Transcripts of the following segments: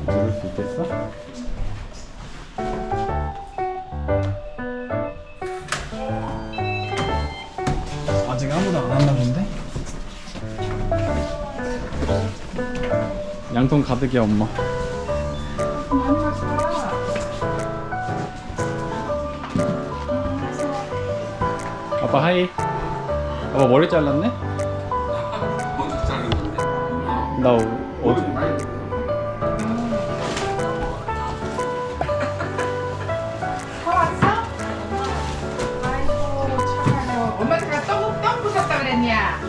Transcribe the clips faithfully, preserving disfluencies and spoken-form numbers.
누를 수 있겠어? 아직 아무도 안 왔나 본데? 양손 가득이야 엄마. 아빠 하이. 아빠 머리 잘랐네? 먼저 자른 건데. 나 어제 사왔어? 아이고 참아요. 엄마가 떡, 떡 부셨다 그랬냐?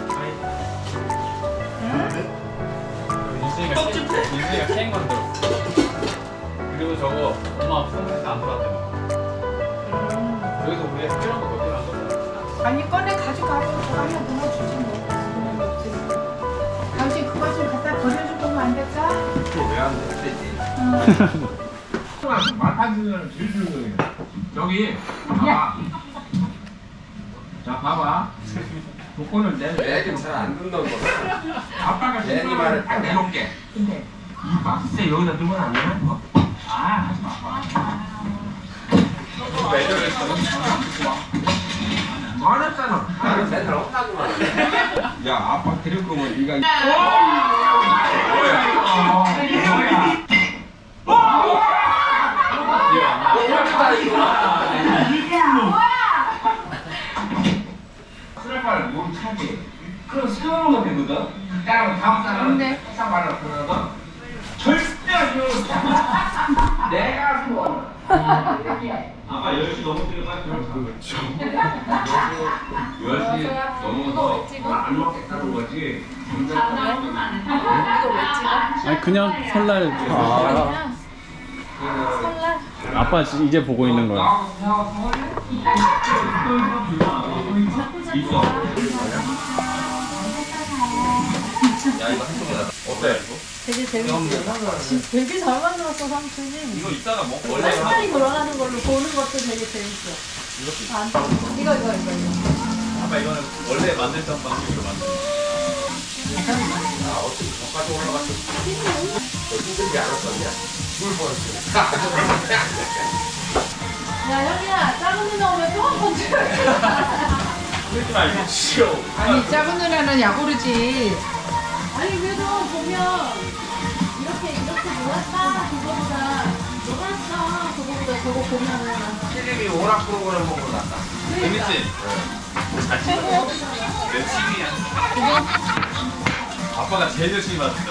윤수이가 윤수이가 케이크 만들었어. 그리고 저거 엄마 선물해서 안 돌았대. 여기서 우리가 필요한 거 몇 개를 안 돌았어. 아니 꺼내 가져가고 저거 하나 넣어주지 뭐. 그런 거 없으니까. 당신 그거 좀 갖다 버려줄 거면 안 될까? 왜안 되지? 마타지는 제일 좋은 거예요. 저기 봐봐. 자 봐봐. 조건을 내. 애들 잘안 듣는 거. 아빠가 애니 신발을 말을 딱 내놓게. 근데 이 박스에 여기다 넣으면 안 되나? 뭐? 아 하지 마. 많았잖아. 나는 맨날 혼나기만 해. 야 아빠 데릴 거면 네가. 수레발을 몸 차게. 그럼 세워놓으면 되거든. 따라서 다음 사람은 네. 회사발을 보내거든. 절대 안 세워. 내가 세워. 아까 열 시 넘어뜨려 빨리 그렇죠. 열 시 넘어서 안 먹겠다는 거지. 아니 그냥 설날. 아. 아빠 지- 이제 보고 있는 거야. 있어. 야 이거 한쪽에 놔. 어때 이거? 되게 재밌어. 되게 잘 만들었어 삼촌이. 이거 이따가 먹 원래 시간이 돌아가는 걸로 보는 것도 되게 재밌어. 안, 이거 이거 이거 이거. 아빠 이거는 원래 만들던 방식으로 만든. 아 어떻게 저까지 올라갔어? 너 힘들지 않았었냐? 죽을 뻔했어. 야 형이야 작은 누나 오면 또 한 번 찍어줘. 그러지 말고 싫어. 아니 작은 누나는 야구르지. 아니 그래도 보면 이렇게 이렇게 놀았다 그거보다 놀았어 그거보다 저거 보면은 필립이 오락 프로그램 보고 났다. 재밌지? 잘 찍어. 며칠이야? 아빠가 제일 열심히 봤어요.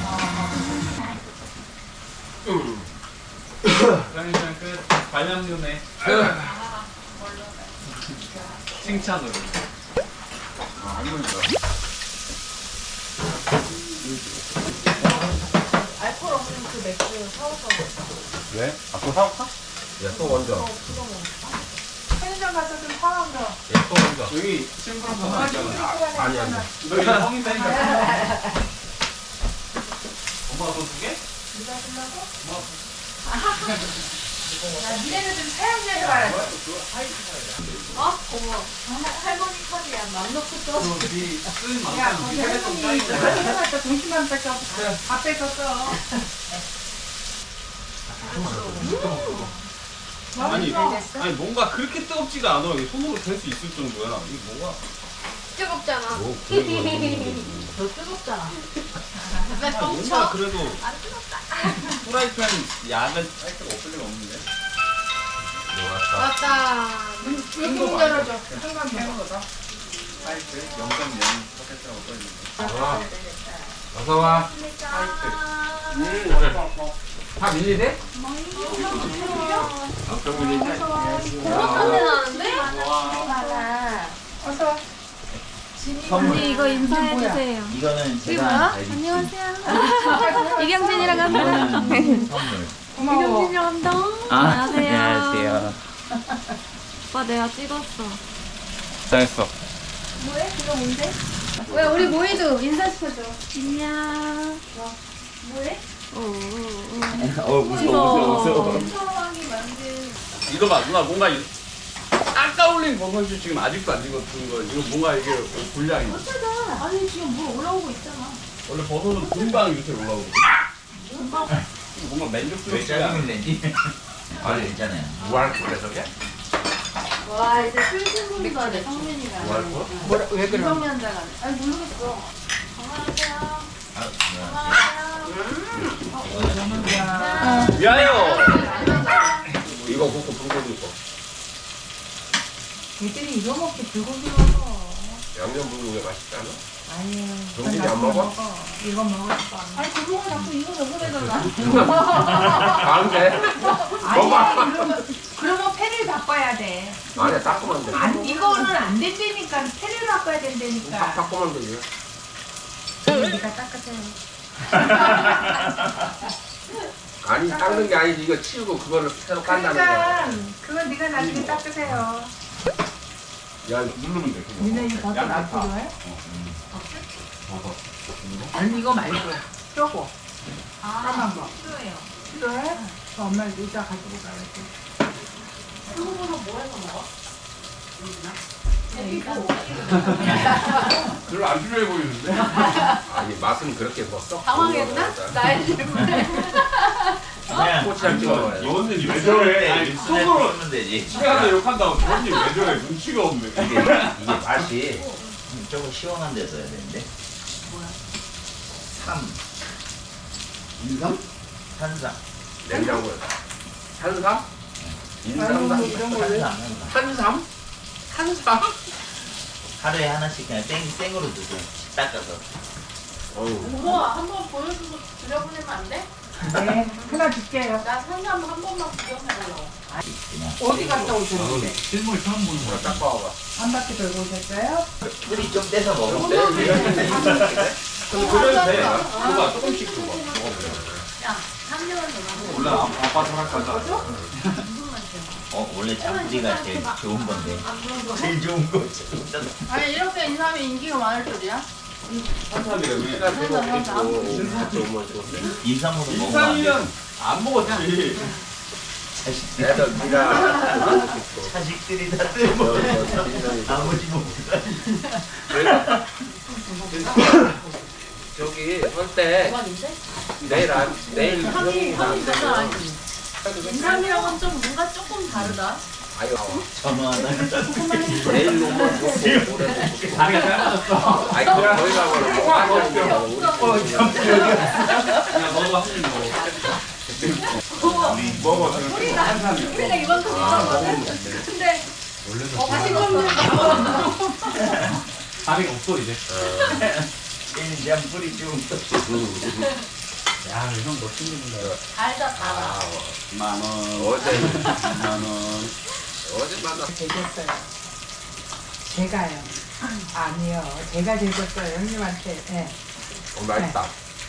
그러니까 그 관람용에 칭찬으로. 알코올 없는 그 맥주 사올까 봐. 왜? 아빠 사올까? 야또 먼저. 편의점 가서 좀 사와서. 야또 먼저. 여기 친구랑 전화 있잖아. 아니 아니. 너 이거 성인 되니까. 엄마가 돈 두 개? 네가 주려고? 야 니네는 좀 사용자 해봐라. 어? 어머 할머니 카드야 맘 놓고 써. 너네 쓴 야 만큼 거기 네가 할머니 했던 짱이잖아. 할머니한테 동심만 뺏겨 다 뺏겼어. 아니, 맛있어. 아니 뭔가 그렇게 뜨겁지가 않아. 이게 손으로 댈 수 있을 정도야. 이게 뭐가? 뜨겁잖아. 뭐 그런 거 너 뜨겁잖아. 아, 뭔가 그래도 안 뜨겁다. 프라이팬 약은 살짝 없을 리가 없는데. 좋았다. 맞다. 문 열어줘. 한번 배워보자. 파이트 영 점 영 퍼센트라고 써있는데. 와. 어서 와. 다 밀리대? 엄청 밀리지? 고맙한 데 나는데? 어서 와. 언니 이거 인사해주세요. 이거는 이게 뭐야? 제가 안녕하세요. 이경진이라고 합니다. 선물. 고마워. 이경진이라고 합니다. 아, 안녕하세요. 안녕하세요. 오빠 내가 찍었어. 잘했어. 뭐해? 그거 뭔데? 왜 우리 모이도 인사시켜줘. 안녕. 뭐해? 오, 오, 어 무서워 무서워 무서워. 처음하기 만든. 이거 봐 누나 뭔가 이- 아까 올린 버섯이 지금 아직도 안 익었던 거. 이거 뭔가 이게 분량이. 어쩌다. 아니 지금 물 올라오고 있잖아. 원래 버섯은 금방 이렇게 올라오거든. 금방 뭔가 왜 만족스럽지가 짜증을 내지? 아니 괜찮아요. 무할 거래 저게? 와 이제 슬슬 보니까 내 성민이가. 무할 거? 뭐라 왜 그래? 성년자가. 아니 모르겠어. 미안해요. 이거 굽고 불고기 있고 애들이 이거 먹기 불고기 먹어. 양념 불고기 맛있지 않아? 아니에요. 정진이 안 먹어? 이거 먹을 거. 아니 그거 자꾸 이거 먹으래잖아. 다른데? 아니야. 그러면 그러면 패를 바꿔야 돼. 아니야 닦으면 돼. 안 이거는 안 된다니까. 패를 바꿔야 딱 된다니까. 닦으면 되지. 네가 닦으세요. 아니 닦는 게 아니지 이거 치우고 그거를 새로 깐다는 그러니까 거야. 그건 네가 나중에 닦으세요. 야 누르면 돼. 그거. 니네 이 버섯 안 양파. 필요해? 버섯. 아니 이거 말고 쪼고 아 까만 거 필요해요. 필요해? 그 엄마 이따 가지고 가야지. 그거보다 뭐 해서 먹어? 별로 안 필요해 보이는데? 아니 맛은 그렇게 뭐 썩. 당황했나? 나의 질문에. 그냥 꼬치랑 찍어 먹어야 돼. 여원님 왜 저래? 아니, 속으로 쓰면 되지. 집에 가서 욕한다고 저원님 왜 저래? 눈치가 없네. 이게 이게 맛이 조금 시원한 데서 해야 되는데. 뭐야? 삼, 인삼? 산삼. 냉장고에 탄삼? 인삼삼? 이런 거 왜? 산삼. 탄삼? 탄삼? 하루에 하나씩 그냥 생 생으로 드세요. 닦아서. 어우 우와 한번 보여주고 드려보내면 안 돼? 네 하나 줄게요. 나 산삼 한 번만 구경해보려고. 그냥 어디 갔다 오셨는데? 실물 처음 보는 거야. 딱 봐봐. 한 바퀴 돌고 오셨어요? 뿌리 좀 떼서 먹어. 네, 이런 근데 그래도 돼. 줘봐, 조금씩 줘봐. 먹어보자. 야 삼 개월 전에 원래 아- 아빠도 할 거다. 무슨 맛이야? 어 원래 참뿌리가 제일 좋은 건데. 제일 좋은 거. 아니 이렇게 인삼이 인기가 많을 줄이야? 한삼이라며. 시간 들고 있고 같이 오면 좋은데. 인삼으로 먹으면 안 돼. 인삼이면 안 먹었지. 자식들, 애들 니가 자식들이 다 뜯어. 아버지 먹자. 저기 설때 대박인데? 내일 안 내일 향이 형이가 안 향이 장난 아니지. 되면 인삼이랑은 좀 뭔가 조금 다르다. 아유 나와. 전화 하나. 내일 오면 좋고 모레 좋고. 다리가 짧아졌어. 아이 그럼 저희 가면 뭐 하냐 우리 그냥 너도 한입 먹어. 먹어. 한삼이야. 우리가 이만큼 있었거든? 근데 어, 다시 먹는 다리가 없어 이제. 인삼 뿌리 좀. 야, 이형 너 친구인데. 달다 달아. 아 만 원. 어제 만 원. 어제 만나 되겠어요. 제가요. 아니요. 제가 되겠어요. 형님한테. 예. 어 맛있다.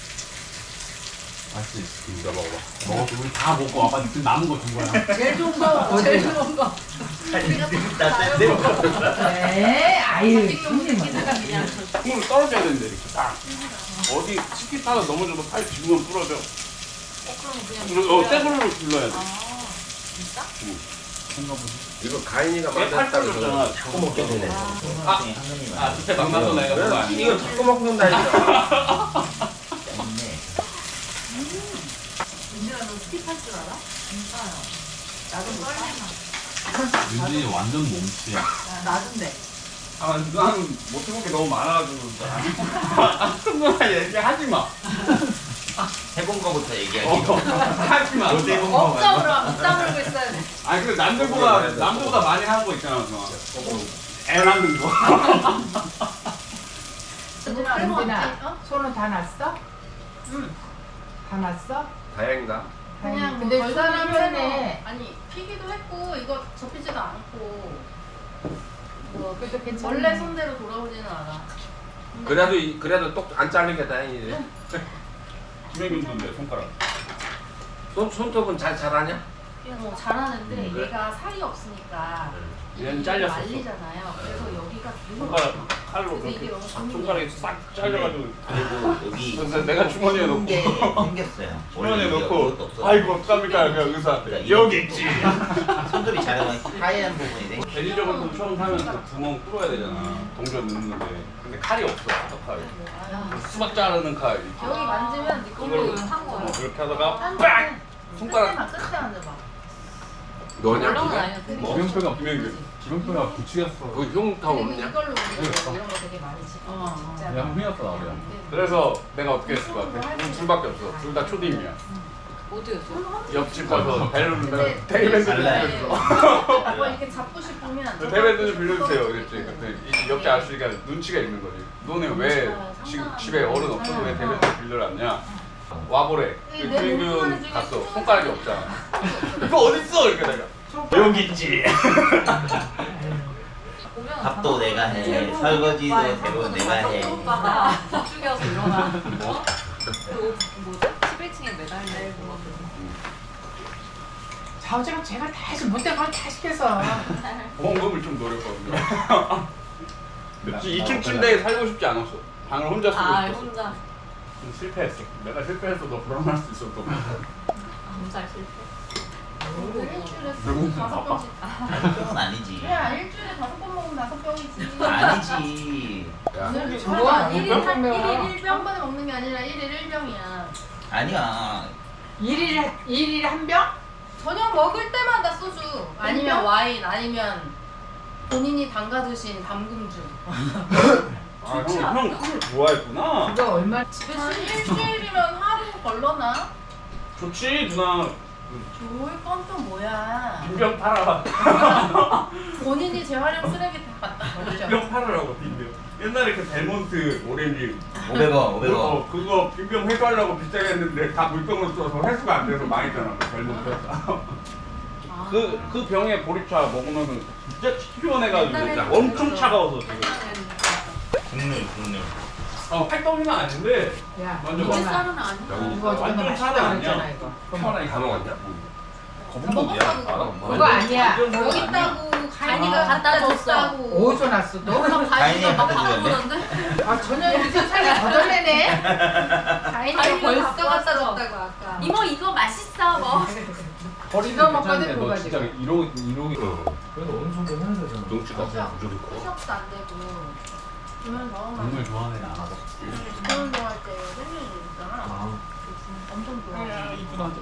맛있지. 이거 먹어봐. 먹었어. 우리 다 먹고 아빠 지금 남은 거 준 거야. 제일 좋은 거, 제일 좋은 거. 다 뜯어. 네. 아유. 찍는 형님은. 기다가 그냥. 힘을 떨어져야 되는데 이렇게 딱. 어디 치킨 타다 넘어져도 팔 뒤면 부러져. 어, 그럼 그냥. 그리고 어, 떼불로 불러야 돼. 아, 진짜? 뭔가 보지. 이거 가인이가 얘 팔 만났다고 떨어졌잖아. 저 자꾸 먹게 되네. 아, 아, 그때 만나서 내가 그거 그래, 아니야. 이거 자꾸 먹는다니까. 민지가 너 스킵할 줄 알아? 진짜요. 나도 썰리나. 윤진이 완전 몸치야. 나던데. 아, 나는 못해본 게 너무 많아가지고. 큰 누나 얘기하지 마. 해본 거부터 어, 얘기하기로. 하지 마. 못 해본 거 억장으로 말고. 못 다물고 있어야 돼. 아니, 근데 남들보다, 남들보다 많이 하는 거 있잖아, 누나. 애 낳는 거. 은진아, 손은 다 났어? 응. 다 났어? 다행이다. 그냥 근데 뭐 손이 별다른 편해. 거- 아니 피기도 했고 이거 접히지도 않고 뭐 그래도 괜찮아. 원래 손대로 돌아오지는 않아. 그래도 이- 그래도 똑 안 자른 게 다행이지. 김혜균 건데, 손가락. 손 손톱은 잘 자라냐? 그냥 뭐 잘하는데 음, 그래? 얘가 살이 없으니까 얘는 이게 잘렸었어. 말리잖아요. 그래서 여기가 계속 손가락 칼로 그래서 이게 그렇게 너무 싹 고민이야. 손가락이 싹 잘려가지고. 그리고 여기 그래서 내가 주머니에 넣고. 게 생겼어요. 주머니에 원래 넣고. 이것도 없어요. 아이고, 어떡합니까? 그냥 의사한테. 그러니까 여기 있지. 손톱이 자라면 하얀 부분이 돼. 대리적으로 처음 사면 그 구멍 뚫어야 되잖아. 동전 넣는데. 근데 칼이 없어, 칼. 야, 수박 자르는 칼. 여기 만지면 네 걸로 한 거야. 이렇게 하다가 빡! 손가락. 끝에 앉아봐. 너냐? 물론 그게? 아니야. 뭐? 기명표가 분명히 기명표가 구축이었어. 그거 흉다 없냐? 이걸로 우리 이런 거 되게 많이 지 어, 어. 그냥 흥이었어 나도. 그래서 내가 어떻게 했을 것 같아? 우리 둘밖에 없어. 둘 다 초딩이야. 어디였어? 옆집 가서 배를 내가 테이블 좀 빌려줘. 뭐 이렇게 잡고 싶으면 테이블 좀 빌려주세요. 그랬지. 근데 이 옆집 아저씨가 눈치가 있는 거지. 너네 왜 지금 집에 어른 없어서 왜 테이블 좀 빌려놨냐? 와보래. 유민균 갔어. 손가락이 없잖아. 이거 어딨어? 이렇게 내가. 여기 있지. 밥도 내가 해. 설거지도 대부분 내가 해. 오빠가 죽여서 일어나. 뭐? 그 뭐지? 십일 층에 매달리고. 자우지가 제가 다 해서 못된 걸 다 시켜서 보험금을 좀 노렸거든요. 이 층 침대에 살고 싶지 않았어. 방을 혼자 쓰고 아 싶었어. 혼자. 좀 실패했어. 내가 실패했어도 불안할 수 있었던 거. 혼자 실패. 일주일에 누군 다섯 바빠. 병씩 그건 아니지. 야 일주일에 다섯 번 먹으면 다섯 병이지 아니지. 뭐야 일 일 몇 한 병 일 먹어? 일 일 병만에 먹는 게 아니라 일 일 일 병이야 아니야. 일일에 일일에 한 병? 저녁 먹을 때마다 소주 아니면 와인 아니면 본인이 담가두신 담금주 아, 형, 형 그걸 좋아했구나. 그거 얼마? 한 일주일이면 하루 걸러나? 좋지 누나. 좋을 건 또 뭐야 빈병 팔아. 본인이 재활용 쓰레기 다 갖다 버리죠 빈병 팔으라고 빈병. 옛날에 그 델몬트 오렌지 오백 원, 오백 원. 어, 그거 빈병 회수하려고 비싸게 했는데 다 물병으로 써서 회수가 안 돼서 망했잖아. 그 델몬트 회사. 그, 그 병에 보리차 먹으면은 진짜 시원해가지고 진짜 엄청 차가워서 지금. 국물, 국물. 어, 팔떡이는 아닌데 야, 완전 이거 맛있어. 쌀은 아니야. 이거 어쩌면 완전 맛있다 차가 그랬잖아 아니야. 이거. 편하게 다 먹었냐? 거북목이야. 먹었다고 그거 아니야. 여기 있다고 가인이가 아, 갖다 줬어. 줬다고 어디서 났어 너? 막 다행이야, 가인이가 막 갖다 바꿔보던데? 아 저녁에 무슨 살이 거덜내네. 가인이가 가인이가 벌써 갖고 갖다 왔어. 줬다고 아까 이모 이거 맛있어 뭐. 이거 먹거든 그거 진짜 가지고. 이러고 이러고. 그래도 어느 정도 해야 되잖아. 눈치가 무조건. 시작도 안 되고 그러면 너 국물 좋아하는 애는 안 하고. 그런 좋아할 때 생일 있잖아 아, 엄청 좋아해 이쁘다 하지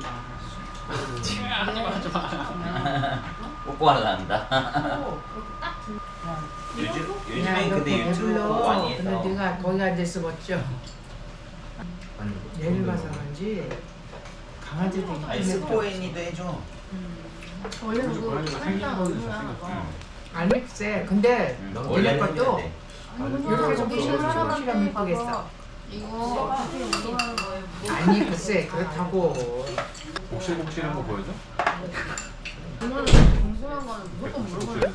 마. 뽀뽀하려한다. 딱 들- 요즘, 야, 요즘엔 너 근데 그거 유튜브 배불러. 많이 해서. 근데 네가 거기 앉아서 걷죠. 아니, 내일 가서 그런지 강아지도 아니, 이쁘네. 스포애니도 해줘. 원래 그래서 그거 고양이가 생긴 살짝 거는 얼마나 잘생겼어. 봐. 알맥세. 근데 응. 원래 원래는 것도 했는데. 이렇게 좀 거기 시원시원 사람한테 시원 이쁘겠어. 가서 이거 어떻게 운동하는 거예요? 뭐 아니 글쎄 그렇다고. 복실복실한 거 보여줘? 이거는 궁금한 거는 무조건 물어보는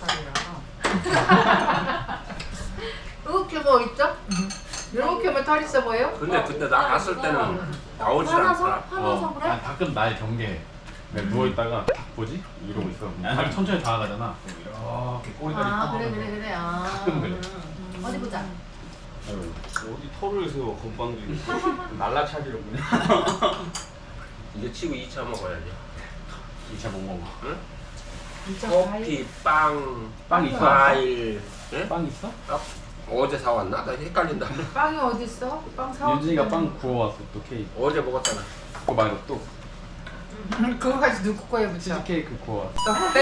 사람이라서 이렇게 뭐 있죠? 이렇게 뭐 털 있어 보여? 근데 그때 나 갔을 때는 나오질 화나서? 않더라. 화나서 그래? 아, 가끔 날 경계해. 내가 누워있다가 딱 보지? 이러고 있어. 발 천천히 다가가잖아. 이렇게 꼬리다리 아 뻗어. 그래 그래 그래 아 가끔 그래. 음. 어디 보자 아이고, 어디 털을 세워 건방지. 날라차기로 그냥. 이제 치고 이 차 먹어야지. 이 차 못 먹어. 응? 진짜 커피, 빵, 빵 있어? 과일. 응? 빵 있어? 어제 사왔나? 나 헷갈린다. 빵이 어디 있어? 빵 사와. 윤진이가 빵 구워왔어 또 케이크. 어제 먹었잖아. 그거 말고 또 그거 가지고 누구 거에 붙여? 치즈 케이크 구워왔어.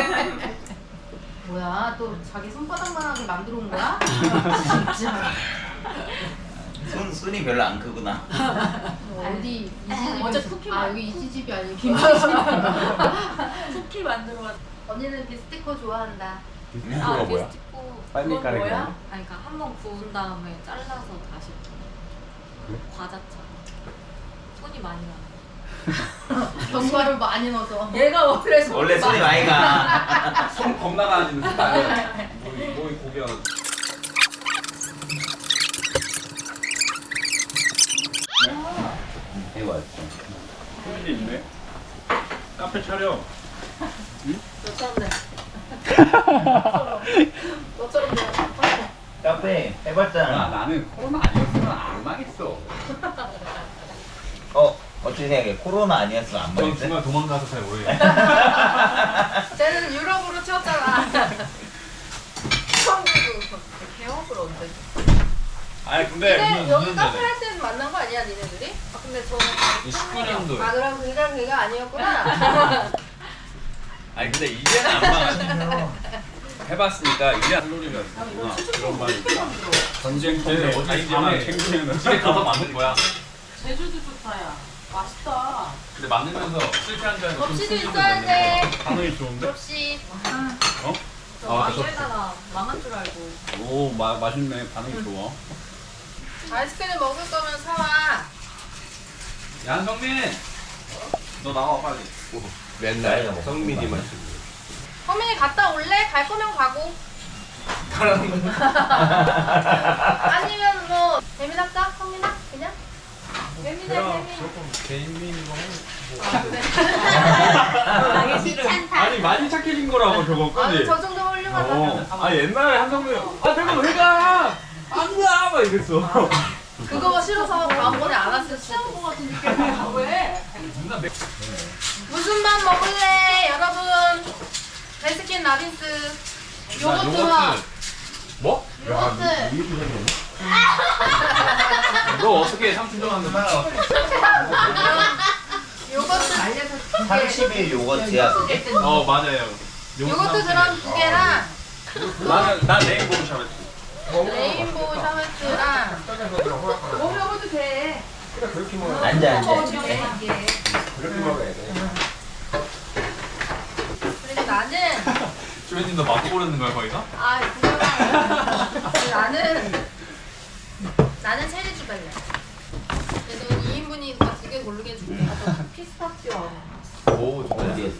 뭐야 또 자기 손바닥만하게 만들어 온 거야? 진짜 손, 손이 별로 안 크구나. 어디 어제 쿠키 아 만- 여기 이지집이 아니고 김치집 쿠키 만들어 왔. 언니는 비스티코 좋아한다 비스티코가 아 뭐야? 비스티코. 빨리 그건 까르기 뭐야? 아니야? 아니 그러니까 한 번 구운 다음에 잘라서 다시 그래? 과자처럼. 손이 많이 나. 견과를 많이 넣어서 얘가 원래 손이 원래 손이 많이 가. 손 겁나 가지는 스타일. 뭐이 뭐이 고기야. 이거 왔어. 소민이 있네. 카페 촬영. 너처럼 돼 너처럼 돼 카페 아, 해봤잖아. 나는 코로나 아니었으면 안 망했어. 어, 어떻게 생각해? 코로나 아니었으면 안 전 먹었대? 중간 도망가서 잘 모르겠어. 쟤는 유럽으로 튀었잖아 처음 개업을 언제? 아니 근데 근데 여기 카페 할 때 만난 거 아니야 니네들이? 아 근데 저는 십구 년도에. 아 그럼 그냥 걔가 아니었구나. 아니 근데 이제는 안 망하지. 해봤으니까 이제 한놀이가 있구나. 그런 말이 있다. 전쟁 때 어디지만 챙기면 집에 가서 만든 거야. 제주도 좋다 야. 맛있다. 근데 만들면서 실패한 줄 알고 좀 접시도 승질도 있어야 냈는데 돼. 반응이 좋은데? 접시. 어? 저 아, 왕에다가 망한 줄 알고. 오 마, 맛있네. 반응이 좋아. 아이스크림 먹을 거면 사와. 양성민! 너 나와 빨리. 맨날 성민이만 쓰고. 허민이 갔다 올래? 갈 거면 가고. 아니면 뭐 재민 할까? 허민아? 그냥? 재민아 재민. 나기 싫어. 아니 많이 착해진 거라고 저거 아니 그지? 저 정도 훌륭하다. 어. 아 옛날에 한성민 아 내가 왜 가? 안 가! 막 이랬어. 그거가 싫어서 다음번에 안 왔을 수도. 거 같은 느낌이야. 왜? 누나 맥 무슨 밥 먹을래? 여러분. 베스킨 라빈스. 요거트 밥. 뭐? 요거트. 너 어떻게 삼촌 좋아하는데? 요거트 말려서 두 개. 삼십 일 요거트야 그게? 어 맞아요. 요거트 그럼 두 개랑 나는 나 레인보우 샤베트. 레인보우 샤베트랑 뭐 먹어도 돼. 그래 그렇게 먹어. 앉아 앉아 그렇게 먹어야 돼. 그리고 나는 주변님 너 맞고 고르는 거야 거기서? 아 그거랑 나는 나는 체리 주발레. 그래서 이 인분이니까 두 개 고르게 해줄게. 피스타치오. 오 좋다. 어디였어?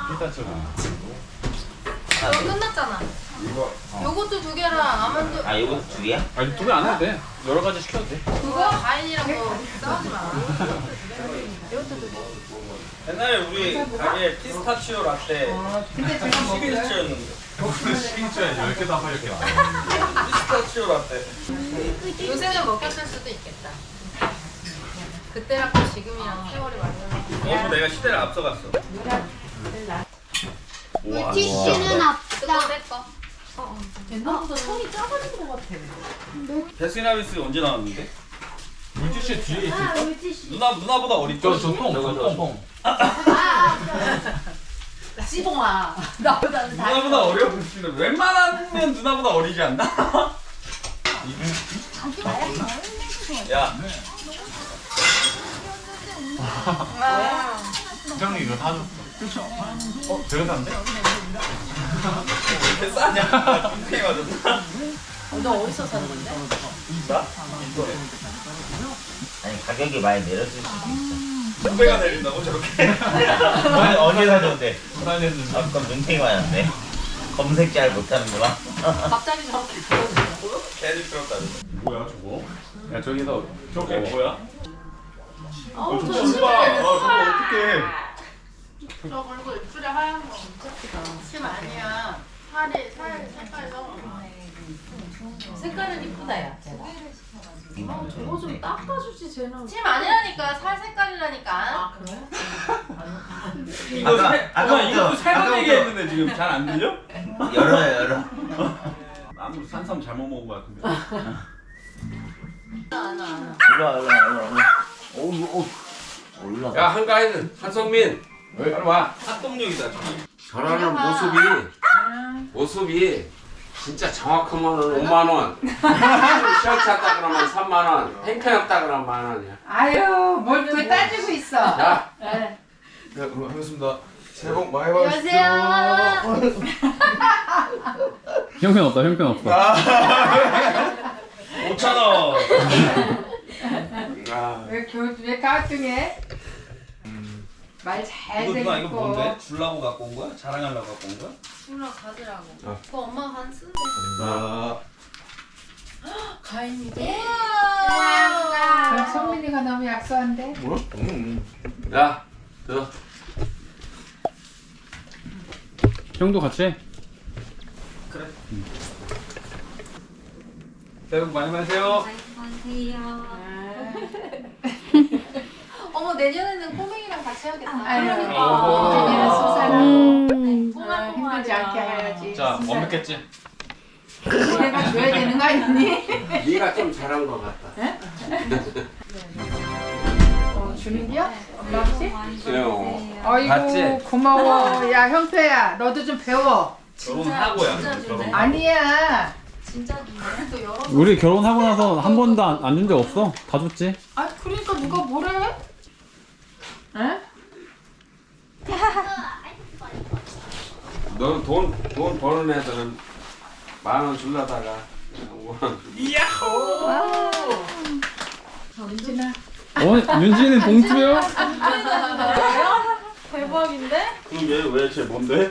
너 끝났잖아. 이거 요거트 두 개랑 아몬드 아 요거트 두 개야? 아니 두 개 안 해도 돼. 여러 가지 시켜도 돼. 그거 과일이랑 뭐 싸우지 마. 요거트 두 개. 옛날에 우리 가게에 피스타치오 라떼 근데 제가 시그니처였는데 시그니처에 열 개 다 팔게. 피스타치오 라떼 요새는 먹혔을 수도 있겠다. 그때랑 또 지금이랑 세월이 완전. 너무 내가 시대를 앞서갔어. 물티슈는 그거 내 거. 옛날보다 손이 작아진 것 같아. 베스킨라빈스 언제 나왔는데? 물티슈 뒤에 있어. 아 물티슈. 누나 누나보다 어리죠? 저통 저통. 시봉아. 나보다는 다. 누나보다 어려 보이는데 웬만하면 누나보다 어리지 않나? 야 부장님 이거 다 줬어. 어? 제가 샀는데? 왜 이렇게 싸냐? 인생이 맞았나? 너 어디서 사는 건데? 나? 아니 가격이 많이 내렸을 수도 있어 두 배가 내린다고 저렇게? 어디, 어디 사줬는데? 부산에는 아까 눈탱이 맞았네 검색 잘 못하는구나 갑자기 저렇게 들어주냐고요? 개를 끌었다. 뭐야 저거? 야 저기서 저게 어. 뭐야? 아우 저거 저 좀 봐. 아 저거 어떡해. 저 그리고 입술에 하얀 거 진짜 크다. 침 아니야. 살이 살 색깔서. 색깔은 이쁘다 야. 쟤가. 아 저거 좀 닦아주지 쟤는. 침 아니라니까 살 색깔이라니까. 아 그래? 이거 아까- 세, 아까부터- 누나 이것도 세번 아까부터- 얘기했는데 지금 잘 안 들려? 열어요 열어 아무도 산삼 잘못 먹은 거 같은데. 일로와 일로와 일로와 오우 오우 올라가 야 한가인 한성민. 빨리 와. 합동력이다. 저러는 모습이 모습이 진짜 정확하면 오만 원. 셔츠 샀다 그러면 삼만 원. 행편없다 그러면 만 원이야. 아유 뭘 또 따지고 있어. 야. 네. 네, 반갑습니다. 새해 복 많이 안녕하세요. 형편 없다 형편 없다. 오천 원. 아, 왜 교, 왜 가중해? 말 잘 이거 누나 이거 듣고. 뭔데? 주려고 갖고 온 거야? 자랑하려고 갖고 온 거야? 친구랑 가지라고. 어. 그거 엄마가 한 쓴데. 아, 가인이도. 그럼 성민이가 너무 약소한데? 뭐? 음. 야, 들어. 형도 같이 해. 그래. 새해 복 많이 받으세요. 어머 내년에는 꼬맹이랑 같이 해야겠다. 아유, 어. 이제는 수사라고 음. 어, 힘들지 않게 해야지. 자, 수사. 완벽했지? 내가 줘야 되는 거 아니니? 네가 좀 잘한 것 같다. 어, 주는 거야? 엄마 아버지? 그래요. 아이고 봤지? 고마워. 야 형태야 너도 좀 배워. 결혼하고야. 결혼. 아니야. 진짜 주네. 또 여러 우리 결혼하고 나서 한 번도 안 준 적 없어. 다 줬지. 아 그러니까 누가 뭐래? 에? 너는 돈, 돈 버는 애들은 만 원 줄라다가 오 원. 윤진아. 어, 윤지는 봉투요? 대박인데? 그게 왜 쟤 뭔데?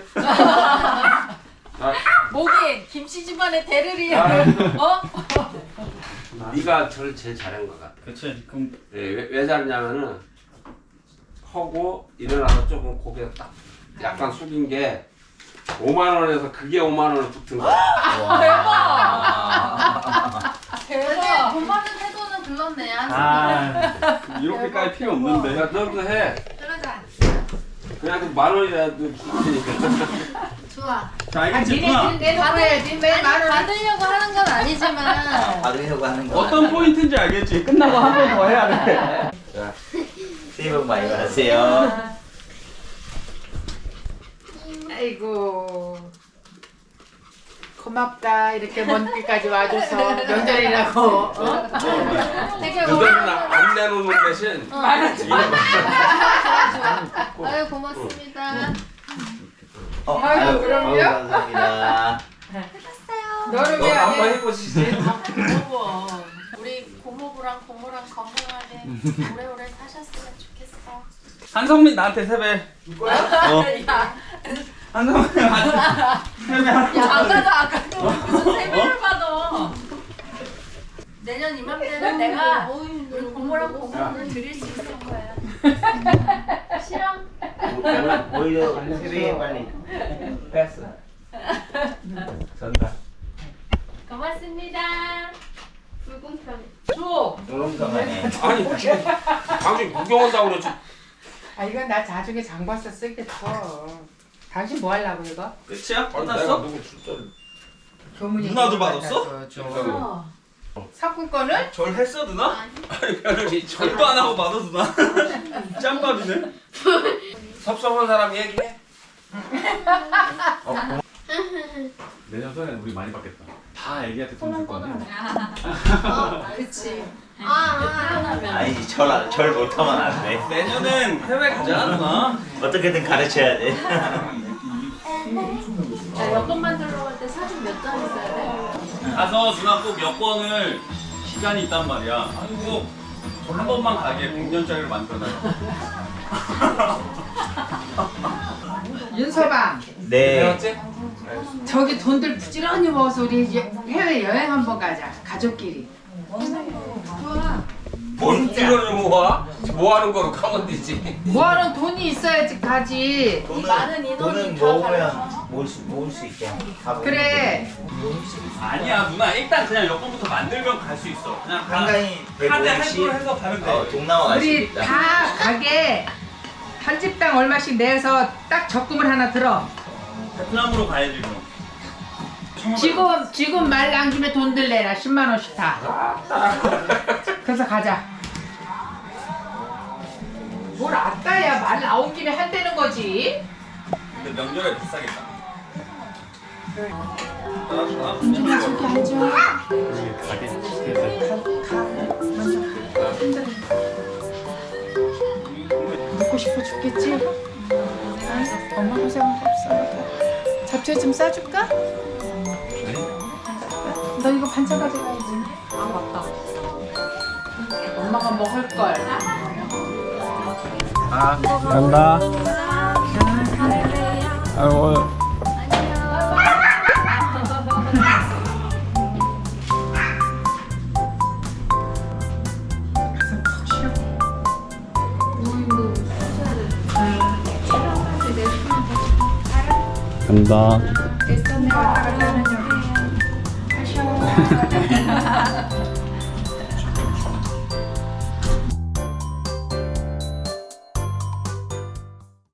목이 김씨 집안의 대르리. 아, 어? 네가 저를 제일 잘한 것 같아. 그치. 그럼 예, 왜, 왜 잘했냐면은 하고 일어나서 조금 고개 딱 약간 숙인 게 오만 원에서 그게 오만 원을 붙은 거야. 대박. 돈 받는 태도는 글렀네. 아 이렇게까지 필요 없는데. 야, 너도 해. 그러자. 그냥 그 만 원이라도 줄 테니까. 좋아. 자 아 알겠지 누나. 니네 내놓고 해야지 왜 아니 말을 받으려고 하는 건 아니지만 받으려고 하는 거. 어떤 포인트인지 알겠지. 끝나고 한 번 더 해야 돼. 자, 새해 복 많이 받으세요. 아이고 고맙다 이렇게 먼 길까지 와줘서 명절이라고 어? 되게 그들은 안 내놓는 대신 아유 고맙습니다. 어, 아이고, 아유, 그럼요? 아유, 감사합니다. 너를 너 왜 안 한번 해? 해보시지. 고모. 우리 고모부랑 고모랑 건강하게 오래오래 사셨으면 좋겠어. 한성민 나한테 세배. 어. 야, 한성민 나한테 세배 하라고. 야 아까도 아까도 무슨 세배를 받아. 내년 이맘때는 내가 우리 고모랑 고모를 드릴 수 있을 거야. 싫어? 오- 오히려 세배 빨리. 뺐어. 전다. 고맙습니다. 불공평해. 줘. 조롱성하네. 아니 당신 구경 온다고 그러지. 아 이건 나 나중에 장 봐서 쓰겠어. 당신 뭐 하려고 이거? 끝이야? 아니, 내가 끝났어? 누구 출전을. 교문이 누나도 받아서 받았어? 줘. 사건권을? 절 했어 누나? 아니 절도 안 하고 받아 누나. 짬밥이네. 섭섭한 사람 얘기해. 내년 설에 우리 많이 받겠다. 다 애기한테 돈 줄 거 아니야? 어, 그치. 아, 아, 아. 아니지, 절, 안- 절 못하면 안 돼. 내년엔 해외 가자 누나. 어떻게든 가르쳐야 돼. 야, 여권만 들어갈 때 사진 몇 장 있어야 돼? 가서 누나 꼭 여권을 시간이 있단 말이야. 꼭 한 번만 가게 백 년짜리로 만들어놔요. 윤서방 네. 배웠지? 저기 돈들 부지런히 모아서 우리 이제 해외 여행 한번 가자 가족끼리. 뭔 이거를 모아? 뭐 하는 거로 가면 되지. 뭐하는 돈이 있어야지 가지. 돈은, 많은 인원이 돈은 다 모으면 모을 수, 모을 수 있게. 다 모으면 그래. 아니야 누나 일단 그냥 여권부터 만들면 갈 수 있어. 그냥 다 한강이 카드 백오십, 할부를 해서 가면 돼. 어, 동남아 갈 수 우리 있다. 다 가게 한 집당 얼마씩 내서 딱 적금을 하나 들어. 베트남으로 가야지 그럼. 지금 지금 말 남김에 돈들 내라 십만 원씩 다. 그래서 가자. 뭘 아따야 말 나온 김에 한다는 거지. 근데 명절에 비싸겠다. 준준아 저기 앉아. 먹고 싶어 죽겠지? 아, 엄마 고생 없어. 잡채 좀 싸줄까? 너 이거 반찬 가져가야지. 아, 맞다. 엄마가 먹을 걸. 아, 간다. 아이고. 간다. 됐어 내가 갔다 가자. 하셔.